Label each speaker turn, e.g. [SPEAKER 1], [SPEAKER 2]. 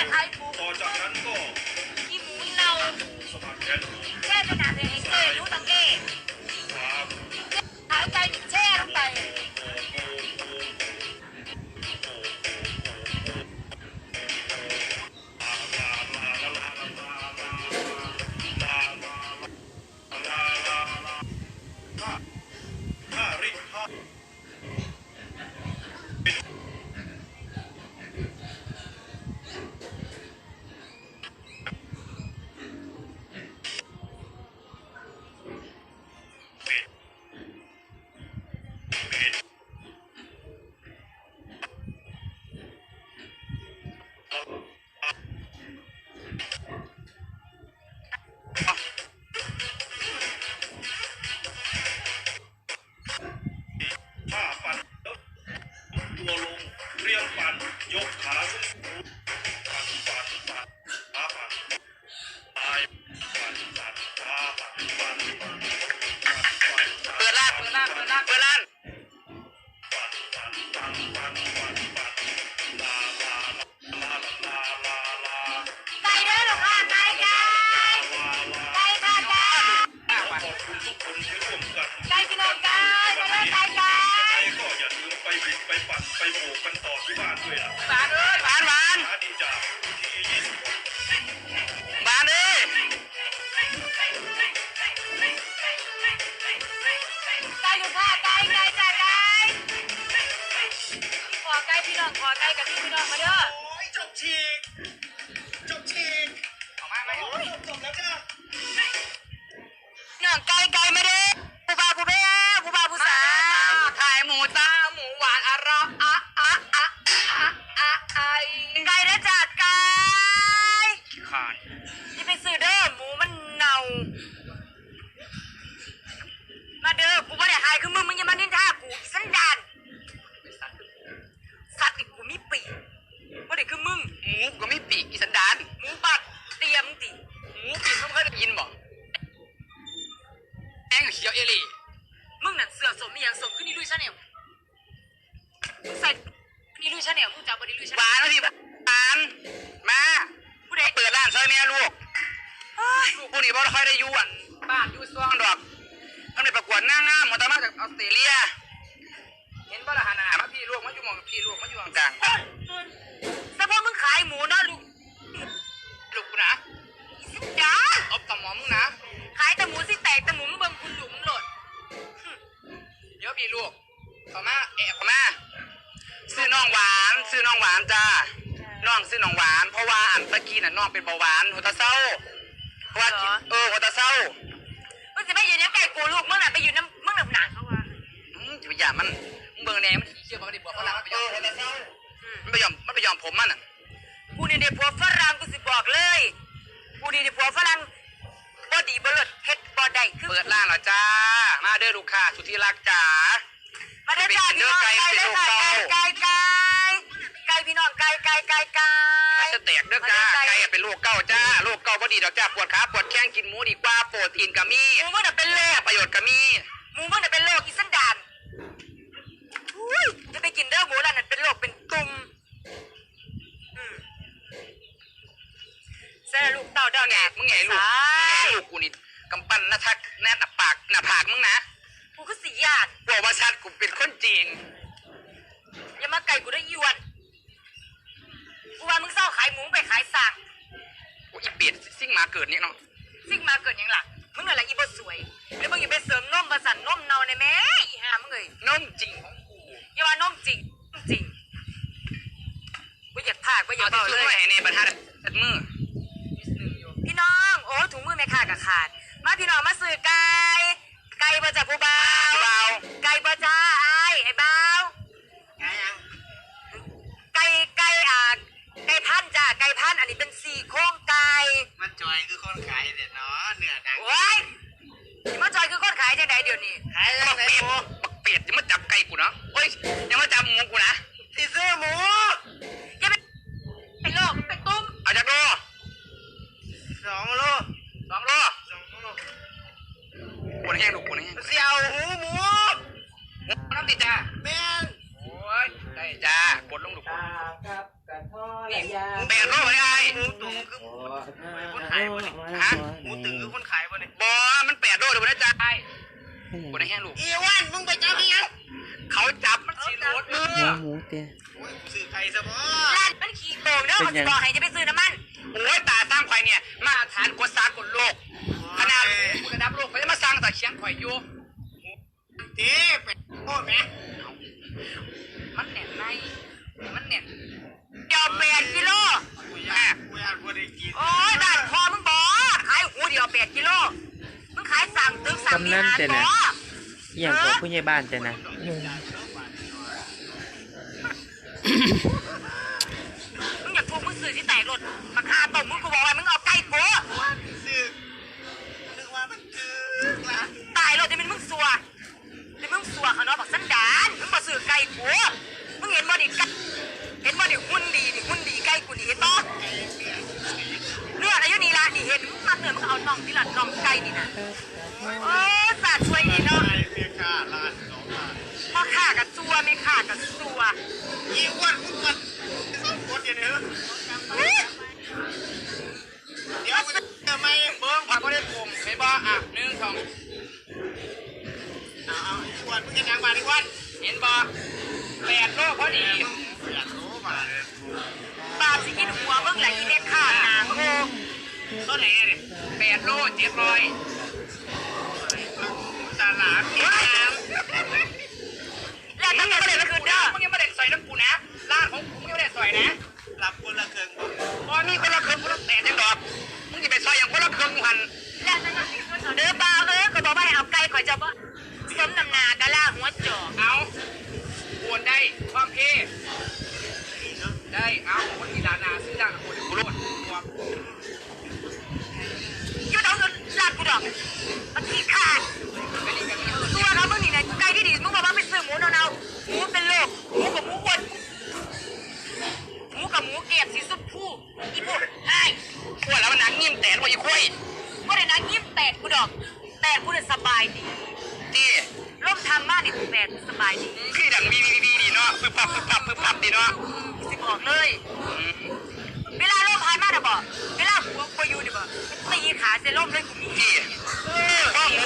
[SPEAKER 1] ขายหมู
[SPEAKER 2] ต่อจากนั้นก็
[SPEAKER 1] ที่หมูเน่า
[SPEAKER 2] สมัครแขน
[SPEAKER 1] แช่จนหนาเลยไอ้เก้รู้ตังเก้
[SPEAKER 2] ความ
[SPEAKER 1] ขายไก่แช่ลงไป
[SPEAKER 2] ผ้าปั่นแล้วตัวลงเรียงปั่นยกขาขึ้นปั่นปั่นปั่นขาปั่นตายปั่นปั่นขาปั่นปั่นปั่น
[SPEAKER 3] เปิดร้านปั่นปั่นปั่นปั่นลาลาลาลาลาลาลา
[SPEAKER 1] ไก่เด้อหรอค่ะไก่ค่ะไก่
[SPEAKER 2] ขอบคุณทุกคนที่ร่วมกัน
[SPEAKER 1] ไก่พี่น้องไก่มาเด้อไก่ไก่
[SPEAKER 2] ก็อย่าลืมไปบิดไปปั่นไปโบกกันต่อที่บ้านด้วยนะ
[SPEAKER 3] หวานเอ้ยหวานหวาน
[SPEAKER 2] หาดีจากที่26
[SPEAKER 3] หวานเอ้ย
[SPEAKER 1] ไก่อยู่ค่ะไก่ไก่จ้าไก่ขอไก่พี่น้องขอไก่กับพี่น้องมาเด้อ
[SPEAKER 2] โอ้ยจบฉีก
[SPEAKER 3] ออกมาไหม
[SPEAKER 2] โอ้ยจบแล้วจ้า
[SPEAKER 1] น้องไก่ไก่มาเด้อผู้บ่าวผู้แม่ผู้บ่าวผู้สาว
[SPEAKER 3] ขายหมูจ้าหมูหวานอร่อยไ
[SPEAKER 1] ไก่เด้อจ้าไก่
[SPEAKER 3] ขาด
[SPEAKER 1] ที่ไปซื้อเด้อหมูมันเน่ามาเด้อกูไม่ได้หายคือมึงอย่ามานินทากูสันดานสัตว์อีกกูมีปีกไม่ได้คือมึง
[SPEAKER 3] หมูก็ไม่ปีกอีสันดาน
[SPEAKER 1] หมูปัดเตรียมติ
[SPEAKER 3] หมูปีกต้องเคยได้ยินบ่แองเขียวเอลี่
[SPEAKER 1] มึงนั่นเสือสมมีอย่างสมขึ้นนี่ลุยชาแนลใส่นี่ลุยชาแนลมึงจับบดีลุยชา
[SPEAKER 3] ห
[SPEAKER 1] แน
[SPEAKER 3] วาน
[SPEAKER 1] ล
[SPEAKER 3] แล้วพี่หวานมา
[SPEAKER 1] ผู้ใด
[SPEAKER 3] เปิดร้านซอยแม่ลูก
[SPEAKER 1] เฮ้ย
[SPEAKER 3] ลูกพวกนี้บ่ค่อยได้อยู่อ่ะบ้านอยู่ซ่องดอกทั้งในประกวดนางงามหมดแต่มาจากออสเตรเลียเห็นบ่ล่ะหาหน้ามาพี่ลูกมาอยู่หมองพี่ลูกมาอยู่กลาง
[SPEAKER 1] แต่พอมึงขายหมูเนาะลูก
[SPEAKER 3] ลูกกูนะ
[SPEAKER 1] สิจ้า
[SPEAKER 3] เอาต่อหมอมึงนะ
[SPEAKER 1] ขายแต่หมูสิแตกแต่หมูมึงเบิ่งคุณหลุมโหลด
[SPEAKER 3] เดี๋ยวพี่ลูกเข้ามาเข้ามาซื้อน้องหวานจ้าน้องซื้อน้องหวานเพราะว่าอันตะกี้น่ะน้องเป็นเบาหวานหัวตาเศร้าเพราะว่าหัวตาเศร้า
[SPEAKER 1] มึงจะไม่อยู่ในไก่กูลูกมึงน่ะไปอยู่น้ำมึงหนักเขาว่า
[SPEAKER 3] จะไปหยามันเบิ่งแหนมันเชื่อมันได้บอกฝรั่งมันไปยอมหัวตาเศร้ามันไปยอมผมมันอ่ะ
[SPEAKER 1] กูนี่เด็กผัวฝรั่งกูสิบอกเลยกูนี่เด็กผัวฝรั่งบ่ดีบ่เลิศเฮ็ดบ่ได้คือ
[SPEAKER 3] เปิดร้านแล้วจ้ามาเด้อลูกค้าสุดที่รักจ๋า
[SPEAKER 1] มาเด้อจ้าพี่น้องไก่เด้อจ้าไก่พี่น้องไก่
[SPEAKER 3] จะแตกเด้อจ้าไก่เป็นลูกเก้าจ้าลูกเก้าบ่ดีดอกจ้าปวดขาปวดแข้งกินหมูดีกว่าโปรตีนก็มี
[SPEAKER 1] หมูมึงน่ะเป็นโรค
[SPEAKER 3] ประโยชน์ก็มี
[SPEAKER 1] หมูมึงน่ะเป็นโรคอีสันดานอุ้ยจะไปกินเด้อหมูนั่นน่ะเป็นโรคเป็นตุ่มเส้นลูกเต้าเด้อ
[SPEAKER 3] มึงไง
[SPEAKER 1] เนี่ย
[SPEAKER 3] มึงไงลูกกูนี่กำปั้นหน้าทักหน้าปากหน้าผากมึงนะ
[SPEAKER 1] กูก็สิญาติ
[SPEAKER 3] บอกว่าชัดกูเป็นคนจริง
[SPEAKER 1] อย่ามาไก่กูได้ยวนกูว่ามึงเศร้าขายหมูไปขายสัก
[SPEAKER 3] กูอีเปียดซิ่งมาเกิดนี่เนาะ
[SPEAKER 1] ซิ่งมาเกิดยังหลักมึงอะไรอีบ่สวยแล้วมึงอย่าไปเสริมนมประสันนมเนาในแม่อีห่ามึงเอ้ย
[SPEAKER 3] น้องจริงของกู
[SPEAKER 1] อย่าว่านมจริงกูอยากพากกูอยาก
[SPEAKER 3] เอา
[SPEAKER 1] เบา
[SPEAKER 3] ที่
[SPEAKER 1] เล
[SPEAKER 3] ช่วย
[SPEAKER 1] ย
[SPEAKER 3] ให้ในบรรทัดมือ
[SPEAKER 1] พี่น้องโอ้ถุงมือแม่ขาดกับขาดมาพี่น้องมาซื้อไก่ประจับผู้บ่าว
[SPEAKER 3] เบา
[SPEAKER 1] ไก่ประจ้าไอ้บ่าวไก่ไก่พันจ้าไก่พันอันนี้เป็น4โครงไก่
[SPEAKER 4] มันจอยคือคนขายเด็ดเนาะเนื้อดัง
[SPEAKER 1] โอ้ยนี่มาจอยคือคนขายจังไดเดี๋ยวนี้
[SPEAKER 4] ขาย
[SPEAKER 3] บัก
[SPEAKER 4] ได้
[SPEAKER 3] เป็ด
[SPEAKER 4] หมู
[SPEAKER 3] บักเป็ดยังมาจับไก่กูเนาะโอ้ยยังมาจับหมูกูนะ
[SPEAKER 4] ที่ซื้อหมู
[SPEAKER 1] อย่าไปเป็นโรคเป็นตุ้ม
[SPEAKER 3] เอาจากโล
[SPEAKER 4] 2 โล
[SPEAKER 3] 2 โล
[SPEAKER 4] 2 โล
[SPEAKER 3] ปวดแห้งลูกปวดแห้ง
[SPEAKER 4] เสี่ยวหูหมู
[SPEAKER 3] น้ำติดจ้า
[SPEAKER 4] แม่น
[SPEAKER 3] โอ้ยได้จ้ากดลงลูก
[SPEAKER 4] กับกระท
[SPEAKER 3] 8 โลไปไอ้
[SPEAKER 4] หมูตุ๋นคือคนขายบ่เนี่ย
[SPEAKER 3] ฮะ
[SPEAKER 4] หมูตุ๋นคือคนขายบ่เนี่ย
[SPEAKER 3] บอมัน8 โลเดี๋ยวมันจะไอ้กูได้แห้งลูก
[SPEAKER 4] อีวันมึงไปจับอีหยัง
[SPEAKER 3] เขาจับมันสีรถมือ
[SPEAKER 5] หมูเตี้ย
[SPEAKER 4] โอ้ยกูซื้อไก่ซะบ่
[SPEAKER 1] ร้านมันขี่โกงเด้อมันบอกให้จะไปซื้อน้ำมัน
[SPEAKER 3] โอ้ยตาสร้างข่อยเนี่ยมาตรฐานกว่าสากลโลกขนาดระดับโลกเขาจะมาสร้างแต่เชียงข่อยอยู่
[SPEAKER 4] เจ๊เป็ดโอ้แม่
[SPEAKER 3] มันแน่นในมันแน่น
[SPEAKER 1] เดี๋ยว8 กิโล
[SPEAKER 4] กูอยากบ่ได้กิน
[SPEAKER 1] โอ้ยบ้านพอมึงบอกขายหูเดียว8 กิโลมึงขายสั่งตึกสั่งมีหารบ่
[SPEAKER 5] เอี่ยงของผู้ใหญ่บ้านแต่นะ
[SPEAKER 1] มึงอยากถูกมึงซื้อที่แตกรถมาคาตบมึงกูบอกว่ามึงเอาไก่กู
[SPEAKER 4] ซื้อนึกว่ามันคือละ
[SPEAKER 1] ตายรถจะเป็นมึงสัวจะมึงสัวเขาเนาะบอกสันดานมึงมาซื้อไก่กูมึงเห็นบ่ดิเห็นบ่ดิหุ่นดีไก่กูนี่เห็นบ่เลือดอายุนี่ละนี่เห็นมึงมาเนื้อมึงเอาน่องที่หลังน่องไก่นี่นะโอ้สาดช่วยนี่เนาะ
[SPEAKER 4] ไก่เมียค่าล้าน2 ล้าน
[SPEAKER 1] พ่อข้ากับซัวไม่ข้ากับซัว
[SPEAKER 4] อีวันมึงมันต้องกดอย่างนี้เดี๋ยวมันจะไม่
[SPEAKER 3] เบิ้งผักก็ได้กลมเห็นบ่อ่ะ1 2
[SPEAKER 4] เอาอีวันมึงจะยังมาอีวัน
[SPEAKER 3] เห็นบ่8 โลพอดี
[SPEAKER 4] อยากรู้มา
[SPEAKER 1] ปาบสิกินหัวมึงแหละอีเมฆข้าหนาโง่
[SPEAKER 4] เท่าไหร่เนี่ย
[SPEAKER 3] 8 โล 700
[SPEAKER 4] ตลาดเก็บน้
[SPEAKER 1] แล้วถ้าเกิดอะไรขึ้นเด้อ
[SPEAKER 3] มึงยังไม่ได้ใส่น้ำกูนะร้านของกูมึงยังไม่ได้ใส่นะ
[SPEAKER 4] ำรับคนละครึ่ง
[SPEAKER 3] พอมีคนละครึ่งคนละ8จังดอกมึงจะไปใส่อย่างคนละครึ่งหัน
[SPEAKER 1] แล้วถ้าเกิดขึ้นเด้อเปล่าก็บอกว่าให้เอาไก่ข่อยจะบ่สมน้ำหนากะล่าหัวจอก
[SPEAKER 3] เอาโอนได้ความเพได้เอาคนที่ด่านาซื้อด่ากับคนกูโลดตัว
[SPEAKER 1] ยืดเอาเงินลาดกูดอกมันขี้ขาด
[SPEAKER 3] กันนี่กันนี่
[SPEAKER 1] ตัวเขามึงนี่นะไก่ที่ดีมึงบอกว่าไปซื้อหมูเนาๆหมูเป็นโรคหมูกับหมูอ้วนหมูกับหมูเกลียดสีสุดผู้อีพวกไอ้
[SPEAKER 3] ขวดแล้วมันหนังยิ่งแตนว่าอีคุย
[SPEAKER 1] ก็ได้นะยิ้มแตกกูดอกแตกกูเนี่ยสบายดี
[SPEAKER 3] ที่
[SPEAKER 1] ร่มทำมากนี่แตกสบายดี
[SPEAKER 3] คือดังวีดีเนาะปึ๊บปับดีเนาะ
[SPEAKER 1] สิบอกเลย เวลาร่มพายมากนะบอกเวลาหัวกูอยู่นี่บอกตีขาเซร่มเลยกูมี
[SPEAKER 3] ที่ก็